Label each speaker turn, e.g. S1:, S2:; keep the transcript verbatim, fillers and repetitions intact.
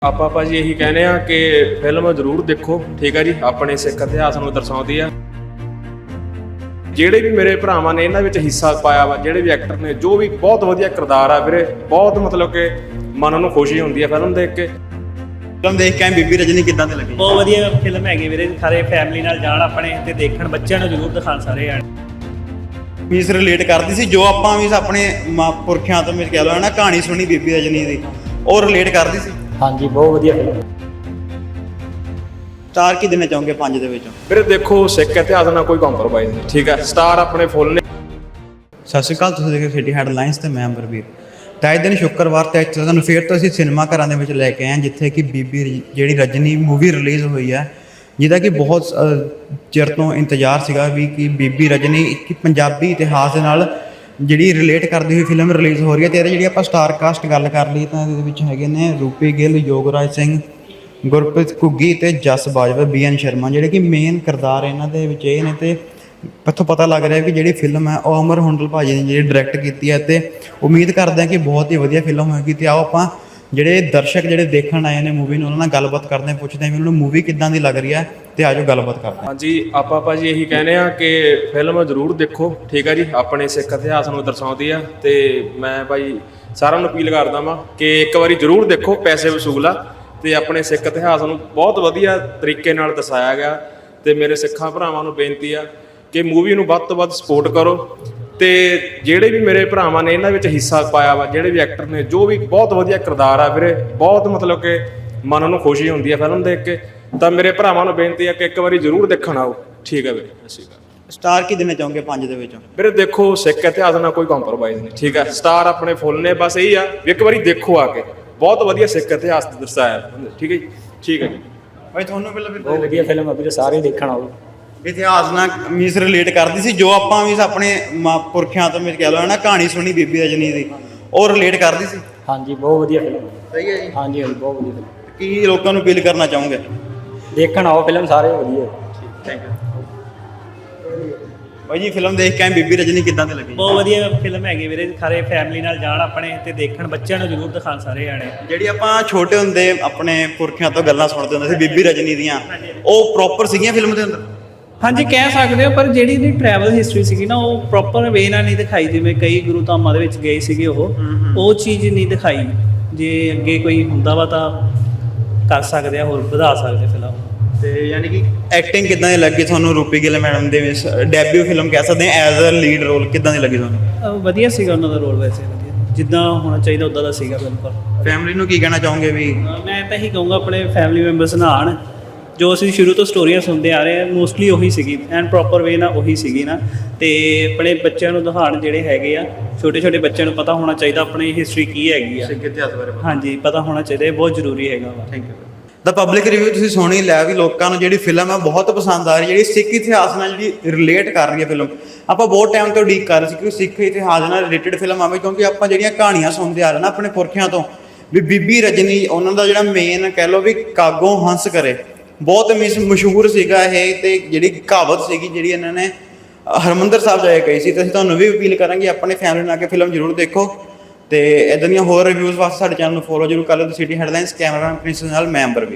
S1: ਆਪਾਂ ਭਾਜੀ ਇਹੀ ਕਹਿੰਦੇ ਆ ਕਿ ਫਿਲਮ ਜ਼ਰੂਰ ਦੇਖੋ, ਠੀਕ ਹੈ ਜੀ। ਆਪਣੇ ਸਿੱਖ ਇਤਿਹਾਸ ਨੂੰ ਦਰਸਾਉਂਦੀ ਆ। ਜਿਹੜੇ ਵੀ ਮੇਰੇ ਭਰਾਵਾਂ ਨੇ ਇਹਨਾਂ ਵਿੱਚ ਹਿੱਸਾ ਪਾਇਆ ਵਾ, ਜਿਹੜੇ ਵੀ ਐਕਟਰ ਨੇ, ਜੋ ਵੀ ਬਹੁਤ ਵਧੀਆ ਕਿਰਦਾਰ ਆ ਵੀਰੇ। ਬਹੁਤ ਮਤਲਬ ਕਿ ਮਨ ਨੂੰ ਖੁਸ਼ੀ ਹੁੰਦੀ ਆ ਫਿਲਮ ਦੇਖ ਕੇ।
S2: ਫਿਲਮ ਦੇਖ ਕੇ ਬੀਬੀ ਰਜਨੀ ਕਿੱਦਾਂ ਦੀ ਲੱਗੀ?
S3: ਬਹੁਤ ਵਧੀਆ ਫਿਲਮ ਹੈਗੀ ਵੀਰੇ। ਸਾਰੇ ਫੈਮਿਲੀ ਨਾਲ ਜਾਣ ਆਪਣੇ ਤੇ ਦੇਖਣ, ਬੱਚਿਆਂ ਨੂੰ ਜ਼ਰੂਰ ਦਿਖਾਣ ਸਾਰੇ ਜਾਣ।
S2: ਮੀਸ ਰਿਲੇਟ ਕਰਦੀ ਸੀ ਜੋ ਆਪਾਂ ਵੀ ਆਪਣੇ ਮਾਂ ਪੁਰਖਿਆਂ ਤੋਂ, ਮੈਂ ਕਹਿ ਲਓ ਨਾ, ਕਹਾਣੀ ਸੁਣੀ ਬੀਬੀ ਰਜਨੀ ਦੀ, ਉਹ ਰਿਲੇਟ ਕਰਦੀ ਸੀ।
S3: ਹਾਂਜੀ, ਬਹੁਤ ਵਧੀਆ ਫਿਲਮ।
S2: ਸਟਾਰ ਕੀ ਦੇਣਾ ਚਾਹੋਗੇ ਪੰਜ ਦੇ ਵਿੱਚੋਂ?
S1: ਵੀਰੇ ਦੇਖੋ, ਸਿੱਖ ਇਤਿਹਾਸ ਨਾਲ ਕੋਈ ਕੰਪਰੋਮਾਈਜ਼ ਨਹੀਂ, ਠੀਕ ਹੈ। ਸਟਾਰ ਆਪਣੇ ਫੁੱਲ ਨੇ।
S2: ਸਤਿ ਸ਼੍ਰੀ ਅਕਾਲ, ਤੁਸੀਂ ਦੇਖ ਰਹੇ ਸਿਟੀ ਹੈਡਲਾਈਨਸ ਤੇ ਮੈਂ ਅੰਬਰਵੀਰ। ਤਾਂ ਅੱਜ ਦਿਨ ਸ਼ੁੱਕਰਵਾਰ ਤੇ ਅੱਜ ਤੁਹਾਨੂੰ ਫੇਰ ਤੋਂ ਅਸੀਂ ਸਿਨੇਮਾ ਘਰਾਂ ਦੇ ਵਿੱਚ ਲੈ ਕੇ ਆਏ ਹਾਂ, ਜਿੱਥੇ ਕਿ ਬੀਬੀ ਜਿਹੜੀ ਰਜਨੀ ਮੂਵੀ ਰਿਲੀਜ਼ ਹੋਈ ਹੈ, ਜਿਹਦਾ ਕਿ ਬਹੁਤ ਚਿਰ ਤੋਂ ਇੰਤਜ਼ਾਰ ਸੀਗਾ ਵੀ ਕਿ ਬੀਬੀ ਰਜਨੀ ਇੱਕ ਪੰਜਾਬੀ ਇਤਿਹਾਸ ਦੇ ਨਾਲ ਜਿਹੜੀ ਰਿਲੇਟ ਕਰਦੀ ਹੋਈ ਫਿਲਮ ਰਿਲੀਜ਼ ਹੋ ਰਹੀ ਹੈ। ਅਤੇ ਇਹਦੇ ਜਿਹੜੀ ਆਪਾਂ ਸਟਾਰ ਕਾਸਟ ਗੱਲ ਕਰ ਲਈ ਤਾਂ ਇਹਦੇ ਵਿੱਚ ਹੈਗੇ ਨੇ ਰੂਪੀ ਗਿੱਲ, ਯੋਗਰਾਜ ਸਿੰਘ, ਗੁਰਪ੍ਰੀਤ ਘੁੱਗੀ ਅਤੇ ਜਸ ਬਾਜਵਾ, ਬੀ ਐਨ ਸ਼ਰਮਾ, ਜਿਹੜੇ ਕਿ ਮੇਨ ਕਿਰਦਾਰ ਇਹਨਾਂ ਦੇ ਵਿੱਚ ਇਹ ਨੇ। ਅਤੇ ਇੱਥੋਂ ਪਤਾ ਲੱਗ ਰਿਹਾ ਕਿ ਜਿਹੜੀ ਫਿਲਮ ਹੈ ਉਹ ਅਮਰ ਹੁੰਡਲ ਭਾਜੀ ਨੇ ਜਿਹੜੀ ਡਾਇਰੈਕਟ ਕੀਤੀ ਹੈ, ਅਤੇ ਉਮੀਦ ਕਰਦੇ ਹਾਂ ਕਿ ਬਹੁਤ ਹੀ ਵਧੀਆ ਫਿਲਮ ਹੋਏਗੀ। ਅਤੇ ਆਓ ਆਪਾਂ ਜਿਹੜੇ ਦਰਸ਼ਕ ਜਿਹੜੇ ਦੇਖਣ ਆਏ ਨੇ ਮੂਵੀ ਨੂੰ, ਉਹਨਾਂ ਨਾਲ ਗੱਲਬਾਤ ਕਰਦੇ ਹਾਂ, ਪੁੱਛਦੇ ਹਾਂ ਵੀ ਉਹਨਾਂ ਨੂੰ ਮੂਵੀ ਕਿੱਦਾਂ ਦੀ ਲੱਗ ਰਹੀ ਹੈ, ਅਤੇ ਆਜੋ ਗੱਲਬਾਤ ਕਰਦੇ ਹਾਂ।
S1: ਹਾਂਜੀ, ਆਪਾਂ ਭਾਜੀ ਇਹੀ ਕਹਿੰਦੇ ਆ ਕਿ ਫਿਲਮ ਜ਼ਰੂਰ ਦੇਖੋ, ਠੀਕ ਹੈ ਜੀ। ਆਪਣੇ ਸਿੱਖ ਇਤਿਹਾਸ ਨੂੰ ਦਰਸਾਉਂਦੀ ਆ। ਅਤੇ ਮੈਂ ਭਾਈ ਸਾਰਿਆਂ ਨੂੰ ਅਪੀਲ ਕਰਦਾ ਵਾਂ ਕਿ ਇੱਕ ਵਾਰੀ ਜ਼ਰੂਰ ਦੇਖੋ, ਪੈਸੇ ਵਸੂਲ ਆ। ਅਤੇ ਆਪਣੇ ਸਿੱਖ ਇਤਿਹਾਸ ਨੂੰ ਬਹੁਤ ਵਧੀਆ ਤਰੀਕੇ ਨਾਲ ਦਰਸਾਇਆ ਗਿਆ। ਅਤੇ ਮੇਰੇ ਸਿੱਖਾਂ ਭਰਾਵਾਂ ਨੂੰ ਬੇਨਤੀ ਆ ਕਿ ਮੂਵੀ ਨੂੰ ਵੱਧ ਤੋਂ ਵੱਧ ਸਪੋਰਟ ਕਰੋ। ਅਤੇ ਜਿਹੜੇ ਵੀ ਮੇਰੇ ਭਰਾਵਾਂ ਨੇ ਇਹਨਾਂ ਵਿੱਚ ਹਿੱਸਾ ਪਾਇਆ ਵਾ, ਜਿਹੜੇ ਵੀ ਐਕਟਰ ਨੇ, ਜੋ ਵੀ ਬਹੁਤ ਵਧੀਆ ਕਿਰਦਾਰ ਆ ਵੀਰੇ। ਬਹੁਤ ਮਤਲਬ ਕਿ ਮਨ ਨੂੰ ਖੁਸ਼ੀ ਹੁੰਦੀ ਆ ਫਿਲਮ ਦੇਖ ਕੇ। ਤਾਂ ਮੇਰੇ ਭਰਾਵਾਂ ਨੂੰ ਬੇਨਤੀ ਆ ਕਿ ਇੱਕ ਵਾਰੀ ਜ਼ਰੂਰ ਦੇਖਣ ਆਓ, ਠੀਕ ਹੈ ਵੀਰੇ। ਸਤਿ ਸ਼੍ਰੀ ਅਕਾਲ।
S2: ਸਟਾਰ ਕੀ ਦੇਣਾ ਚਾਹੋਗੇ ਪੰਜ ਦੇ ਵਿੱਚੋਂ?
S1: ਵੀਰੇ ਦੇਖੋ, ਸਿੱਖ ਇਤਿਹਾਸ ਨਾਲ ਕੋਈ ਕੰਪਰੋਮਾਈਜ਼ ਨਹੀਂ, ਠੀਕ ਹੈ। ਸਟਾਰ ਆਪਣੇ ਫੁੱਲ ਨੇ। ਬਸ ਇਹੀ ਆ ਵੀ ਇੱਕ ਵਾਰੀ ਦੇਖੋ ਆ ਕੇ। ਬਹੁਤ ਵਧੀਆ ਸਿੱਖ ਇਤਿਹਾਸ ਦਰਸਾਇਆ, ਠੀਕ ਹੈ ਜੀ। ਠੀਕ ਹੈ ਜੀ
S2: ਭਾਈ, ਤੁਹਾਨੂੰ ਪਹਿਲਾਂ
S3: ਬਹੁਤ ਵਧੀਆ ਫਿਲਮ ਆ ਵੀਰੇ, ਸਾਰੇ ਦੇਖਣ ਆਓ।
S2: ਇਤਿਹਾਸ ਨਾਲ ਮੀਸ ਰਿਲੇਟ ਕਰਦੀ ਸੀ ਜੋ ਆਪਾਂ ਵੀ ਆਪਣੇ ਮਾਂ ਪੁਰਖਿਆਂ ਤੋਂ, ਮੈਂ ਕਹਿ ਲਓ ਨਾ, ਕਹਾਣੀ ਸੁਣੀ ਬੀਬੀ ਰਜਨੀ ਦੀ, ਉਹ ਰਿਲੇਟ ਕਰਦੀ ਸੀ।
S3: ਹਾਂਜੀ, ਬਹੁਤ ਵਧੀਆ ਫਿਲਮ।
S2: ਸਹੀ ਹੈ ਜੀ।
S3: ਹਾਂਜੀ ਹਾਂਜੀ, ਬਹੁਤ ਵਧੀਆ ਫਿਲਮ।
S2: ਕੀ ਲੋਕਾਂ ਨੂੰ ਅਪੀਲ ਕਰਨਾ ਚਾਹੋਗੇ?
S3: ਦੇਖਣ ਆਓ ਫਿਲਮ, ਸਾਰੇ ਵਧੀਆ।
S2: ਥੈਂਕ ਯੂ ਭਾਈ ਜੀ। ਫਿਲਮ ਦੇਖ ਕੇ ਬੀਬੀ ਰਜਨੀ ਕਿੱਦਾਂ ਦੀ ਲੱਗੀ?
S3: ਬਹੁਤ ਵਧੀਆ ਫਿਲਮ ਹੈਗੀ ਵੀਰੇ। ਸਾਰੇ ਫੈਮਿਲੀ ਨਾਲ ਜਾਣ ਆਪਣੇ ਤੇ ਦੇਖਣ, ਬੱਚਿਆਂ ਨੂੰ ਜ਼ਰੂਰ ਦਿਖਾਣ ਸਾਰੇ ਜਾਣੇ।
S2: ਜਿਹੜੀ ਆਪਾਂ ਛੋਟੇ ਹੁੰਦੇ ਆਪਣੇ ਪੁਰਖਿਆਂ ਤੋਂ ਗੱਲਾਂ ਸੁਣਦੇ ਹੁੰਦੇ ਸੀ ਬੀਬੀ ਰਜਨੀ ਦੀਆਂ, ਉਹ ਪ੍ਰੋਪਰ ਸੀਗੀਆਂ ਫਿਲਮ ਦੇ ਅੰਦਰ?
S3: ਹਾਂਜੀ, ਕਹਿ ਸਕਦੇ ਹੋ। ਪਰ ਜਿਹੜੀ ਇਹਦੀ ਟਰੈਵਲ ਹਿਸਟਰੀ ਸੀਗੀ ਨਾ, ਉਹ ਪ੍ਰੋਪਰ ਵੇ ਨਾਲ ਨਹੀਂ ਦਿਖਾਈ। ਜਿਵੇਂ ਕਈ ਗੁਰੂ ਧਾਮਾਂ ਦੇ ਵਿੱਚ ਗਏ ਸੀਗੇ, ਉਹ ਉਹ ਚੀਜ਼ ਨਹੀਂ ਦਿਖਾਈ। ਜੇ ਅੱਗੇ ਕੋਈ ਹੁੰਦਾ ਵਾ ਤਾਂ ਕਰ ਸਕਦੇ ਆ, ਹੋਰ ਵਧਾ ਸਕਦੇ ਫਿਲਮ।
S2: ਤੇ ਯਾਨੀ ਕਿ ਐਕਟਿੰਗ ਕਿੱਦਾਂ ਦੀ ਲੱਗੀ ਤੁਹਾਨੂੰ ਰੂਪੀ ਗਿੱਲ ਮੈਡਮ ਦੇ ਵਿੱਚ? ਡੈਬਿਊ ਫਿਲਮ ਕਹਿ ਸਕਦੇ ਹਾਂ, ਐਜ਼ ਅ ਲੀਡ ਰੋਲ ਕਿੱਦਾਂ ਦੀ ਲੱਗੀ ਤੁਹਾਨੂੰ?
S3: ਵਧੀਆ ਸੀਗਾ ਉਹਨਾਂ ਦਾ ਰੋਲ, ਵੈਸੇ ਵਧੀਆ, ਜਿੱਦਾਂ ਹੋਣਾ ਚਾਹੀਦਾ ਉੱਦਾਂ ਦਾ ਸੀਗਾ ਬਿਲਕੁਲ।
S2: ਫੈਮਿਲੀ ਨੂੰ ਕੀ ਕਹਿਣਾ ਚਾਹੋਗੇ ਵੀ?
S3: ਮੈਂ ਤਾਂ ਇਹੀ ਕਹੂੰਗਾ ਆਪਣੇ ਫੈਮਿਲੀ ਮੈਂਬਰਸ ਨਾਲ ਆਉਣ। ਜੋ ਅਸੀਂ ਸ਼ੁਰੂ ਤੋਂ ਸਟੋਰੀਆਂ ਸੁਣਦੇ ਆ ਰਹੇ ਹਾਂ, ਮੋਸਟਲੀ ਉਹੀ ਸੀਗੀ, ਐਂਡ ਪ੍ਰੋਪਰ ਵੇ ਨਾਲ ਉਹੀ ਸੀਗੀ ਨਾ। ਅਤੇ ਆਪਣੇ ਬੱਚਿਆਂ ਨੂੰ ਦਿਖਾਉਣ, ਜਿਹੜੇ ਹੈਗੇ ਆ ਛੋਟੇ ਛੋਟੇ ਬੱਚਿਆਂ ਨੂੰ ਪਤਾ ਹੋਣਾ ਚਾਹੀਦਾ ਆਪਣੀ ਹਿਸਟਰੀ ਕੀ ਹੈਗੀ ਆ,
S2: ਸਿੱਖ ਇਤਿਹਾਸ ਬਾਰੇ।
S3: ਹਾਂਜੀ, ਪਤਾ ਹੋਣਾ ਚਾਹੀਦਾ, ਇਹ ਬਹੁਤ ਜ਼ਰੂਰੀ ਹੈਗਾ ਵਾ।
S2: Thank you. ਦਾ ਪਬਲਿਕ ਰਿਵਿਊ ਤੁਸੀਂ ਸੁਣੀ ਲਿਆ ਵੀ ਲੋਕਾਂ ਨੂੰ ਜਿਹੜੀ ਫਿਲਮ ਹੈ ਬਹੁਤ ਪਸੰਦ ਆ ਰਹੀ, ਜਿਹੜੀ ਸਿੱਖ ਇਤਿਹਾਸ ਨਾਲ ਜਿਹੜੀ ਰਿਲੇਟ ਕਰ ਰਹੀ ਹੈ ਫਿਲਮ। ਆਪਾਂ ਬਹੁਤ ਟਾਈਮ ਤੋਂ ਉਡੀਕ ਕਰ ਰਹੇ ਸੀ ਕਿ ਸਿੱਖ ਇਤਿਹਾਸ ਨਾਲ ਰਿਲੇਟਡ ਫਿਲਮ ਆਵੇ, ਕਿਉਂਕਿ ਆਪਾਂ ਜਿਹੜੀਆਂ ਕਹਾਣੀਆਂ ਸੁਣਦੇ ਆ ਰਹੇ ਨਾ ਆਪਣੇ ਪੁਰਖਿਆਂ ਤੋਂ, ਵੀ ਬੀਬੀ ਰਜਨੀ ਉਹਨਾਂ ਦਾ ਜਿਹੜਾ ਮੇਨ ਕਹਿ ਲਓ ਵੀ ਕਾਗੋਂ ਹੰਸ ਕਰੇ, ਬਹੁਤ ਮਿਸ ਮਸ਼ਹੂਰ ਸੀਗਾ ਇਹ। ਅਤੇ ਜਿਹੜੀ ਕਹਾਵਤ ਸੀਗੀ ਜਿਹੜੀ ਇਹਨਾਂ ਨੇ ਹਰਿਮੰਦਰ ਸਾਹਿਬ ਜਾ ਕੇ ਕਹੀ ਸੀ। ਅਤੇ ਅਸੀਂ ਤੁਹਾਨੂੰ ਵੀ ਅਪੀਲ ਕਰਾਂਗੇ ਆਪਣੇ ਫੈਮਿਲੀ ਨਾਲ ਆ ਕੇ ਫਿਲਮ ਜ਼ਰੂਰ ਦੇਖੋ। ਅਤੇ ਇੱਦਾਂ ਦੀਆਂ ਹੋਰ ਰਿਵਿਊਜ਼ ਵਾਸਤੇ ਸਾਡੇ ਚੈਨਲ ਨੂੰ ਫੋਲੋ ਜ਼ਰੂਰ ਕਰ ਲਓ। ਸਿਟੀ ਹੈਡਲਾਈਨਸ ਕੈਮਰਾਮੈਨ ਪ੍ਰਿੰਸ ਨਾਲ ਮੈਂ ਅੰਬਰਵੀਰ।